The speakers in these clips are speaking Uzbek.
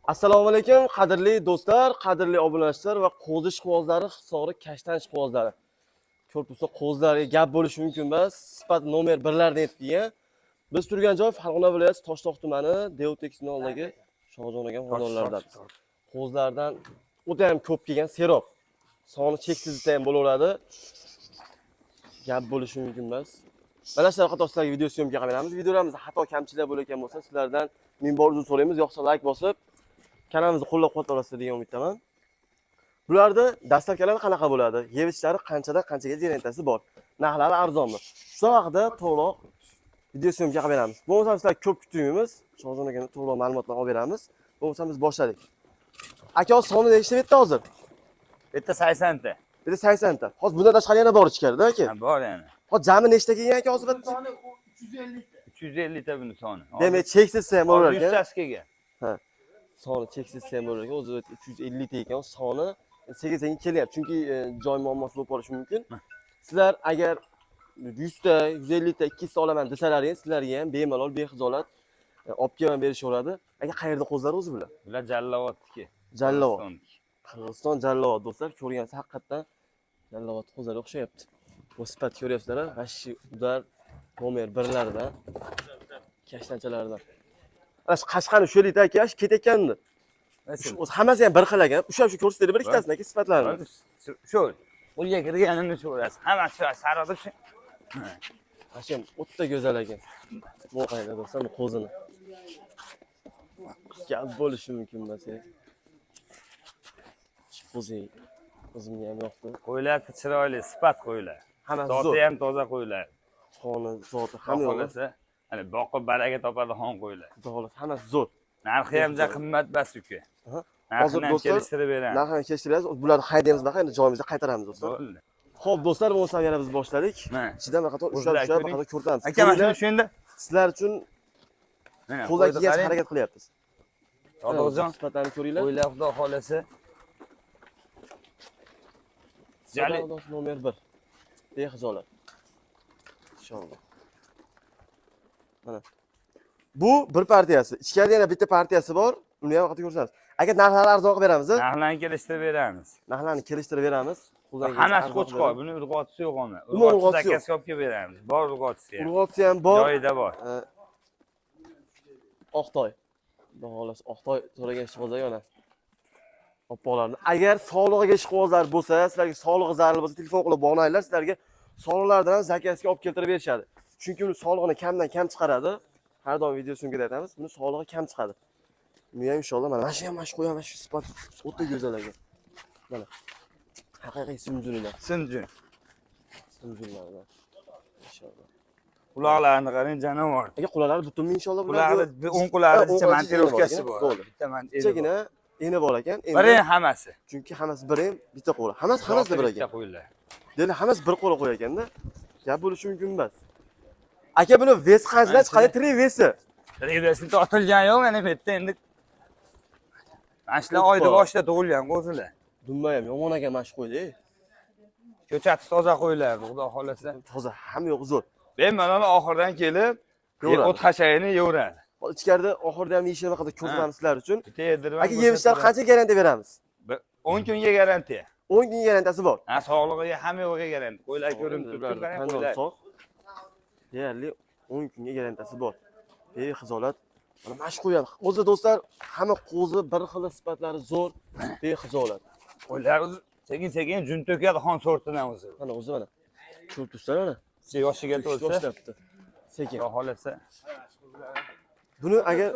Assalomu alaykum, qadrli do'stlar, qadrli obunachilar va qo'zi ishqibozlari, hisori kashtan ishqibozlari. Ko'ribsiz, qo'zilarga gap bo'lishi mumkin emas. Sifat nomer 1lardan aytib kelgan. Biz turgan joy Farg'ona viloyati Toshloq tumani Deotex nomidagi Shohjon aka xonadonlaridan. Qo'zilardan o'ta ham ko'p kelgan serob. Soni cheksiz desa ham bo'laveradi. Gap bo'lishi mumkin emas. Mana shunaqa to'g'risidagi video syomka qilib beramiz. Videolarimizda xato kamchiliklar bo'layotgan bo'lsa, sizlardan ming bor uzr so'raymiz. Yo'qsa like bosib kanalimizni qo'llab-quvvatlab olasiz degan umiddaman. Bularda dastavkalar qanaqa bo'ladi? Yevichlari qanchadan qanchaga rentasi bor? Narxlari arzonmi? Shu haqida to'liq video syomka qilib beramiz. Bo'lmasa sizlar ko'p kutmaymiz. Shohjon akaga to'liq ma'lumotlar olib beramiz. Bo'lmasa biz boshladik. Aka soni nechta bitta hozir? Bitta 80 ta. Bitta 80 ta. Hozir bundan tashqari yana bor ichkarida aka. Ha, bor yana. Hozir jami nechta kelgan aka hozir? Soni 350 ta. 350 ta buni soni. Demak, cheksiz ham bo'lar ekan. 100 tasi kelgan. Ha. Soni cheksiz ham bo'lar ekan. O'zi 350 ta ekan. Soni sekin kelyapti. Chunki joy muammosi bo'lib qolishi mumkin. Sizlar agar 100 ta, 150 ta, 200 ta olaman desalaringiz, sizlarga ham bemalol, bexijolat olib kelib berishaveradi. Aka qayerda qo'zlar o'zi bular? Bular Jallovotniki. Jallovot. Qirg'iziston Jallovot do'stlar, ko'rgansiz haqiqatdan Jallovot qo'zlarga o'xshayapti. Bu sifat ko'ryapsizlar, g'ashi udar nomer 1lardan, kashtanchalardan. Ana shu Qashqani sho'lita aka, ketayotgandi. O'zi hammasi ham bir xil ekan. O'sha ko'rsatdi bir ikkitasini aka sifatlarini. Shu. Uyiga kirganini so'rasiz. Hammasi sarada shu. Hashim o'ta go'zal ekan. Bu qayda do'stlar, bu qo'zini. Gap bo'lishi mumkin emas. O'zimga ham yoqdi. Qo'ylar chiroyli, sifat qo'ylar. Hammasi zo'r. Zoti ham toza qo'ylar. Xoni zoti hamma Xohlasa, ana boqib baraka topadi xon qo'ylar. Xudo xohlasa hammasi zo'r. Narxi ham juda qimmat bas uka. Hozir Narxini do'stlar kelishtirib beramiz. narxini kelishtiramiz. Bularni haydaymiz, endi joyimizga qaytaramiz do'stlar. Bo'ldi. Xo'p do'stlar, bo'lsa yana biz boshladik. Mana. Ichidan bir qator ushlab ko'rsatamiz. Aka, mana shuni shunda Sizlar uchun qo'ldan kelgancha harakat qilyapmiz. To'g'rijon, sifatlarni ko'ringlar. qo'ylar xudo xolasa. Jali nomer 1. Bexijolat. Inshaalloh. Mana. Bu bir partiyasi. Ichkarida yana bitta partiyasi bor. Uni ham vaqtida ko'rsatamiz. Aka narxlarni arzon qilib beramizmi? narxlarni kelishtirib beramiz. Narxlarni kelishtirib beramiz. Hammasi qo'chqor, buni urg'otisi yo'q ona. Urg'otisi Urg'otisi zakazga olib kelib beramiz. Bor urg'otisi ham. Urg'otisi ham bor. Joyida bor. Oqtoy. Xudo xolasa Oqtoy so'ragan ishqibozlar yana. Oppolarni. Agar sog'lig'iga ishqibozlar bo'lsa, sizlarga sog'lig'i zarur bo'lsa, telefon qilib bog'langlar, sizlarga sog'liqlardan ham zakazga olib keltirib berishadi. Chunki uni sog'lig'ini kamdan kam chiqaradi. Har doim video syomkada aytamiz, buni sog'lig'i kam chiqadi. Buni ham inshaalloh mana shu ham mana shu qo'yam, mana shu sifat o'ta go'zal ekan. Mana. Haqiqiy simjunlar. Simjun. Simjunlar. Inshaalloh. Quloqlarini qarang, jonivor. Aka quloqlari butunmi inshaalloh bular? Quloqlari 10 quloqlicha montirovkasi bor. Bitta montirovka. Eni bor ekan. Biri hammasi. Chunki hammasi bir ham bitta qo'la. Hammasi bir ekan. Demak, hammasi bir qo'la qo'y ekanda. Gap bo'lishi mumkin emas. Aka buni ves qanchadan chiqadi? Trivesi. Trivesi tortilgan yo'q, mana bu yerda endi. Ashlar oyda boshida tug'ilgan qo'zilar. Dumma ham yomon ekan mana shu qo'yda. Ko'chati toza qo'ylar, xudo xolasa. Toza, hamma yo'q zo'r. Bemalol oxirdan kelib, o't hashayini yeyveradi. Ichkarida oxirida ham yeyishini vaqtida ko'rsatamiz sizlar uchun. Aka Aka yemishlar qancha garantiya beramiz? 10 kunga garantiya. 10 kun garantiyasi bor. Ha, sog'lig'iga hamma yo'g'iga garantiya. Qo'ylar ko'rinib turibdi, qarang qo'ylar. Deyarli 10 kunga garantiyasi bor. Bexijolat. Mana shu qo'yam. O'zi do'stlar, hamma qo'zi bir xil sifatlari zo'r, bexijolat. Qo'ylar sekin-sekin jun to'kadi xon sortidan o'zi. Mana o'zi mana. Ko'rib turibsizlar mana. Yoshiga to'lsa, sekin. Xudo xolasa. Buni agar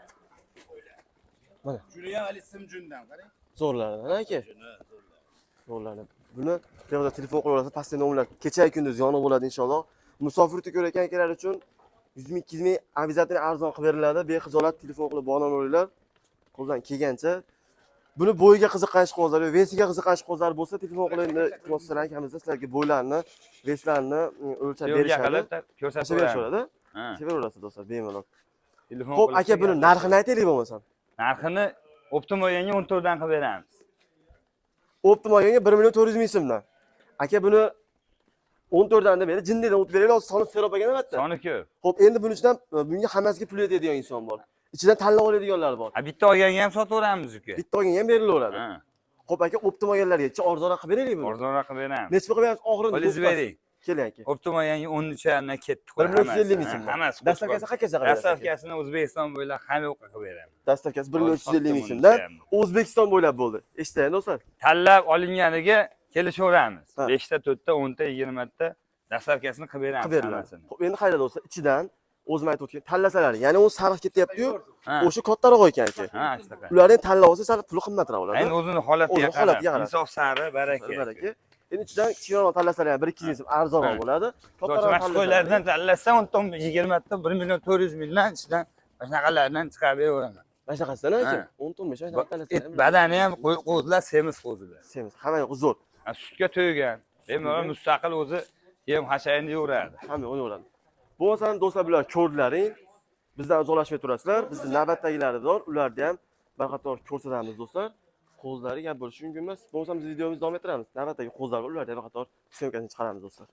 mana Shuni ham hali simjundan qarang. zo'rlardan aka. Zo'rlardan. Buni tezda telefon qilib olsa, pastda nomlar kecha kunduz yonib bo'ladi inshaalloh. Musofirlikda ko'rayotgan akalar uchun 100 ming 200 ming обязательно arzon qilib beriladi. Bexijolat telefon qilib bog'lanaveringlar. Qo'ldan kelgancha. Buni bo'yiga qiziqqan ishqibozlar, vesiga qiziqqan ishqibozlar bo'lsa, telefon qilib iltimos akamizda sizlarga bo'ylarni, veslarni o'lchab berishadi. Ko'rsatib berishadi. Sevaverasiz do'stlar, bemalol. Xo'p, aka buni narxini aytaylik bo'lmasam. Narxini Optimoyanga 14 dan qilib beramiz. Optimoyanga 1 million 400 ming so'mdan. Aka buni 14 dan deb berdi. Jinnidan o'tib beraylik, soni serob ekan albatta. Soni ko'p. Xo'p, endi buning ichidan bunga hammasiga pul yetadigan inson bor. ichidan tanlab oladiganlar bor. Ha, bitta olganga ham sotaveramiz uka. Bitta olganga ham berilaveradi. Ha, Xo'p aka, optim olganlarga arzonroq qilib beraylikmi? arzonroq qilib beramiz. Nechga qilib beramiz? Og'irini Qo'lingizni bering. Keling aka. Optim olganga 13 ketdi. 1.350 ming so'm. Hammasi. Dastavkasi qanchaga qilib berasiz? Dastavkasini O'zbekiston bo'ylab hamma yoqqa qilib beramiz. Dastavkasi 1.350 ming so'mdan O'zbekiston bo'ylab bo'ldi. Eshitdingizmi do'stlar? Tanlab olinganiga kelishaveramiz. Ha. 5 ta, 4 ta, 10 ta, 20 ta dastavkasini qilib beramiz Qilib beriladi. hammasini. Xo'p, endi qayda do'stlar? Ichidan o'zim aytib o'tgan tanlasalar, ya'ni u sariq ketyapti-yu, Ha. o'sha kattaroq ekan aka. Ha, shunaqa. Ularni tanlab olsa sal puli qimmatroq bo'ladi. Endi o'zini holatiga O'zini holatiga qarab, qarab. insof sari baraka. Baraka. Endi ichidan kichikroq tanlasalar ham 1-2 ming so'm arzonroq Ha. bo'ladi. Mashq qo'ylardan tanlasa 10 20 ta 1 million 400 mingdan ichidan shunaqalardan chiqarib beraman. Mana shunaqasidan aka. Ha. 10 ton besh tanlasalar ham. Badani ham qo'zilar semiz qo'zilar. Semiz, hamma yo'q zo'r. Sutga to'ygan. Bemalol mustaqil o'zi yem hashayini yuradi. Hamma o'laveradi. Bo'lmasa do'stlar bular ko'rdilaring. Bizdan uzoqlashmay turasizlar. Bizni navbatdagilari bor, ularni ham bir qator ko'rsatamiz do'stlar. Qo'zlari gap bo'lishi mumkin emas. Bo'lmasa biz videomizni davom ettiramiz. Navbatdagi qo'zlar bor, ularni ham bir qator syomkasini chiqaramiz do'stlar.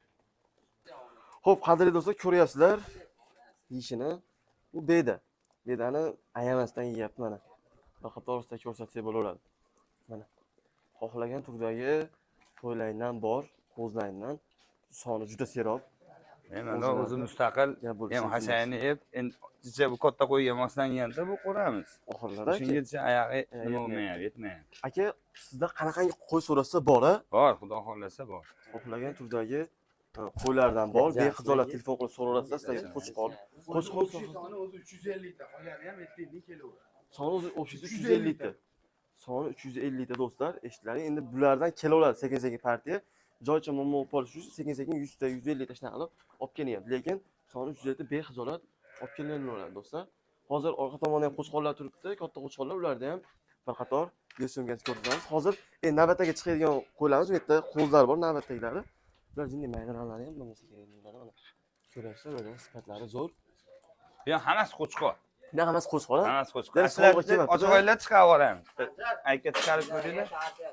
Xo'p, qadrli do'stlar, ko'ryapsizlar yeyishini. Bu beda. Bedani ayamasdan yeyapti mana. Bir qator orasida ko'rsatsak bo'laveradi. Mana. Xohlagan turdagi qo'ylardan bor, qo'zlardan soni juda serob. Bemalol o'zi mustaqil yem hashayini yeb, endi bu katta qo'yga moslanganda bu qo'ramiz. Oxirlari aka. Shungacha oyog'i nima bo'lmayapti, yetmayapti. Aka, sizda qanaqangi qo'y so'rasa bor-a? Bor, xudo xohlasa bor. Xohlagan turdagi qo'ylardan bor. Bexizolat telefon qilib so'raverasizlar, sizlarga qo'chqor. Qo'chqor Soni o'zi 350 ta, qolgani ham 70 kelaveradi. soni o'zi 350 ta. Soni 350 ta do'stlar. Eshitdilaring, endi bulardan kelaveradi sekin-sekin partiya. Joycha momo polish uchun sekin-sekin 100 ta, 150 ta shunaqa qilib olib kelyapti. Lekin soni 350 ta bexizolat olib kelinaveradi do'stlar. Hozir orqa tomonda ham qo'chqorlar turibdi, katta qo'chqorlar, ularda ham bir qator yo'singan ko'rsatamiz. Hozir navbatdagi chiqadigan qo'ylarimiz bu yerda qo'zlar bor, navbatdagilari. Ular jinni maydalanlari ham bo'lmasa kerak deyiladi mana. Ko'ryapsizlar, ular sifatlari zo'r. Bu hammasi qo'chqor. Bunaqa hammasi qo'chqor, ha? Hammasi qo'chqor. Yana sovg'a kelmabdi. Ochiqoylar chiqarib yuboramiz. Aytga chiqarib ko'ringlar.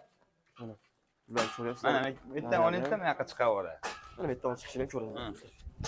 Ular ko'ryapsizlar. Mana bitta olingda bu yoqqa chiqarib yuboradi. Mana bu yerdan chiqishini ham ko'raman.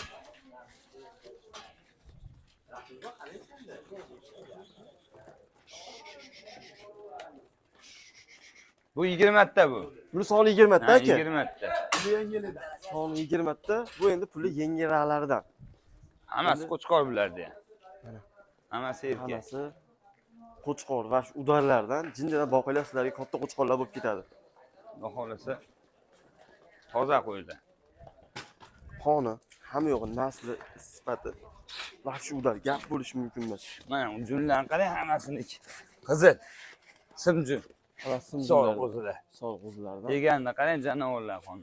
Bu 20 ta bu. Buni soni 20 ta aka. 20 ta. Bu yengilida. Soni 20 ta. Bu endi puli yengilroqlaridan. Hammasi qo'chqor bularda ham. Mana. Hammasi erkak. Hammasi qo'chqor va shu udarlardan jinnidan boqinglar sizlarga katta qo'chqorlar bo'lib ketadi. Xudo xohlasa toza qo'ylar. Qoni, hamma yo'g'i nasli, sifati va shu udar gap bo'lishi mumkin emas. Mana junlarni qarang, hammasini qizil. Simjun. Hammasi Sog' o'zida. Sog' o'zlaridan. Deganda qarang, janovorlar qoni.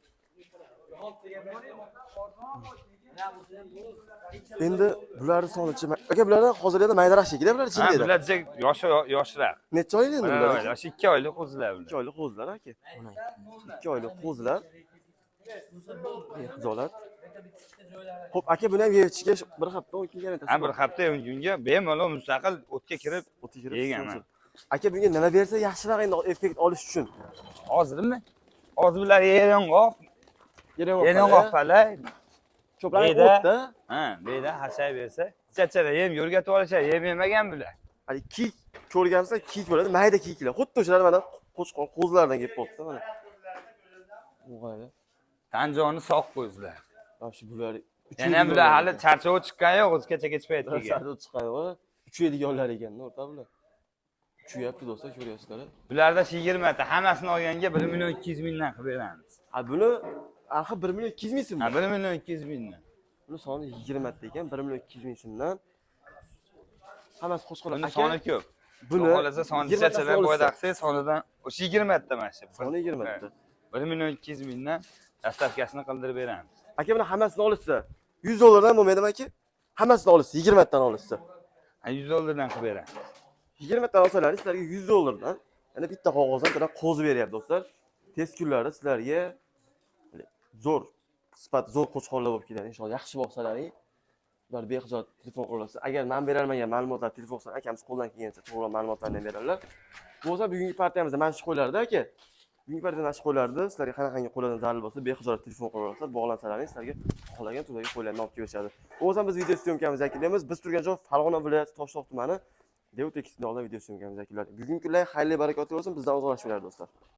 Endi bularning sonichi aka, bulardan hozirda maydaroq shekilli bular Ha, jindida. bular yoshroq. Necha oylik endi bular? Yosh 2 oylik qo'zilar 2 bular. oylik qo'zilar aka. 2 oylik qo'zilar. Xizolat. Xo'p, aka, buni ham yeyishga bir hafta 10 kun garantiyasi. Ha, bir hafta kunga bemalol mustaqil o'tga kirib o'tga kirib yeganman. Aka, bunga nima bersa yaxshiroq endi effekt olish uchun? Hozirmi? Hozir bular yong'oq, Yong'oq palay. ko'plari Beda. o'tda. Ha, beda hashay bersa, chachara yem yo'rgatib olishar, yem yemagan bular. Hali kiyik ko'rgansa kiyik bo'ladi, mayda kiyiklar. Xuddi o'shalar mana qo'chqor qo'zlardan kelib qolibdi mana. O'g'ayli. Tanjoni sog' qo'zilar. Mana shu bular Yana bular hali charchovi chiqqani yo'q, o'zgacha kech paytga. Sado chiqadi va uchaydiganlar ekan-da, o'rta bular. Uchayapti do'stlar, ko'ryapsizlar. Bularda 20 ta, hammasini olganga 1 million 200 mingdan qilib beramiz. Ha, buni axir 1 million 200 ming so'm. Ha, 1 million 200 mingdan. Buni soni 20 ta ekan, 1 million 200 ming so'mdan. Hammasi qo'shqo'lar. Buni soni ko'p. Buni xohlasa soni chachalar boyda qilsangiz, sonidan o'sha 20 ta mana shu. Soni 20 ta. 1 million 200 mingdan dastavkasini qildirib beramiz. Aka, buni hammasini olishsa, 100 dollardan bo'lmaydimi aka? Hammasini olishsa, 20 tadan olishsa. Ha, 100 dollardan qilib beramiz. 20 tadan olsalar, sizlarga 100 dollardan yana bitta qog'ozdan to'la qo'zi beryapti do'stlar. Tez kunlarda sizlarga zo'r sifat, zo'r qo'chqorlar bo'lib keladi. Inshaalloh yaxshi boqsalaring. Ular behijoat telefon qilasiz. Agar men berolmagan ma'lumotlar telefon qilsa, akamiz qo'ldan kelgancha to'g'ri ma'lumotlarni beradilar. Bo'lsa bugungi partiyamizda mana shu qo'ylarda aka. Bugungi paytda nashib qo'ylardi. Sizlarga qanaqangi qo'ylardan zarur bo'lsa, bexijolat telefon qo'yinglar, bog'lansalaring, sizlarga xohlagan turdagi qo'ylarni olib kelishadi. O'zim biz video syomkamizni yakunlaymiz. Biz turgan joy Farg'ona viloyati Toshloq tumani Devut Tekisdan video syomkamizni yakunladik. Bugungi kunlar xayrli barakotli bo'lsin. Bizdan uzoqlashmanglar do'stlar.